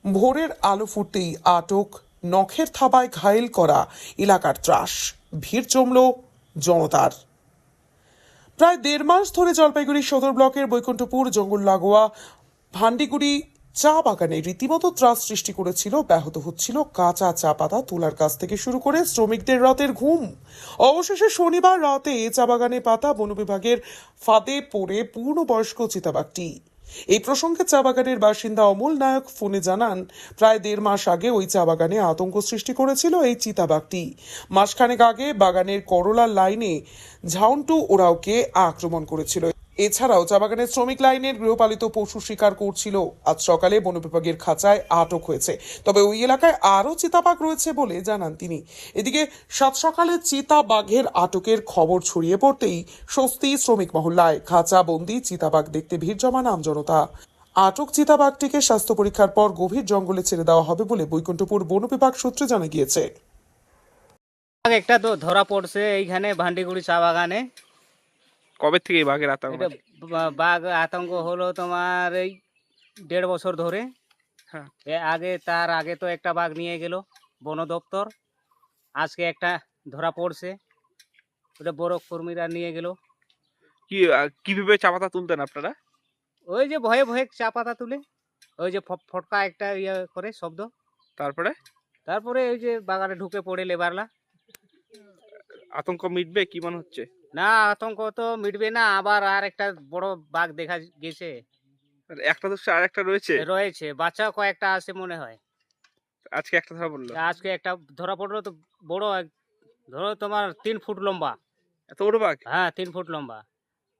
ভোরের আলো ফুটতেই আটক, নখের থাবায় ঘায়েল করা এলাকার ত্রাস, ভিড় জমল জনতার। প্রায় ১.৫ মাস ধরে জলপাইগুড়ি সদর ব্লকের বৈকুণ্ঠপুর জঙ্গল লাগোয়া ভান্ডিগুড়ি চা বাগানে রীতিমতো ত্রাস সৃষ্টি করেছিল। ব্যাহত হচ্ছিল কাঁচা চা পাতা তোলার কাছ থেকে শুরু করে শ্রমিকদের রাতের ঘুম। অবশেষে শনিবার রাতে চা বাগানে পাতা বন বিভাগের ফাঁদে পড়ে পূর্ণবয়স্ক চিতাবাঘটি। এই প্রসঙ্গে চা বাগানের বাসিন্দা অমল নায়ক ফোনে জানান, প্রায় ১.৫ মাস আগে ওই চা বাগানে আতঙ্ক সৃষ্টি করেছিল এই চিতাবাঘটি। মাসখানেক আগে বাগানের করলার লাইনে ঝাউন্টু ওরাওকে আক্রমণ করেছিল। এছাড়াও চা বাগানের শ্রমিক লাইনের গৃহপালিত পশু শিকার করছিল। আজ সকালে বন বিভাগের খাঁচায় আটক হয়েছে। তবে ওই এলাকায় আরও চিতাবাঘ রয়েছে বলে জানান তিনি। এদিকে সাত সকালে চিতাবাঘের আটকের খবর ছড়িয়ে পড়তেই স্বস্তি শ্রমিক মহল্লায়। খাঁচা বন্দি চিতাবাঘ দেখতে ভিড় জমান আমজনতা। আটক চিতাবাঘটিকে স্বাস্থ্য পরীক্ষার পর গভীর জঙ্গলে ছেড়ে দেওয়া হবে বলে বৈকুণ্ঠপুর বন বিভাগ সূত্রে জানা গিয়েছে। একটা তো ধরা পড়ছে এইখানে ভান্ডিগুড়ি চা বাগানে। কবে থেকে এই বাঘের আতঙ্ক? এটা বাঘ আতঙ্ক হলো তোমার এই ১.৫ বছর ধরে। হ্যাঁ। তার আগে তো একটা বাঘ নিয়ে গেল বন দপ্তর। আজকে একটা ধরা পড়ছে, ওটা বড় কর্মীরা নিয়ে গেল। কিভাবে চা পাতা তুলতেন আপনারা? ওই যে ভয়ে ভয়ে চা পাতা তুলে, ওই যে ফটকা একটা ইয়ে করে শব্দ, তারপরে ওই যে বাগানে ঢুকে পড়ে লেবারলা। আতঙ্ক মিটবে কি মনে হচ্ছে? না, আতঙ্ক তো মিটবে না, আবার আর একটা বড় বাঘ দেখা গেছে। একটা তো আর একটা রয়েছে। রয়েছে, বাচ্চা কয়েকটা আছে মনে হয়। আজকে একটা ধরা পড়লো। আজকে একটা ধরা পড়লো, তো বড় ধরো তোমার ৩ ফুট লম্বা। এত বড় বাঘ? হ্যাঁ, ৩ ফুট লম্বা।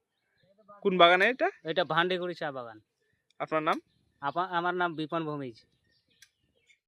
কোন বাগানে এটা? এটা ভান্ডিগুড়ি চা বাগান। আপনার নাম? আমার নাম বিপন ভৌমিজ।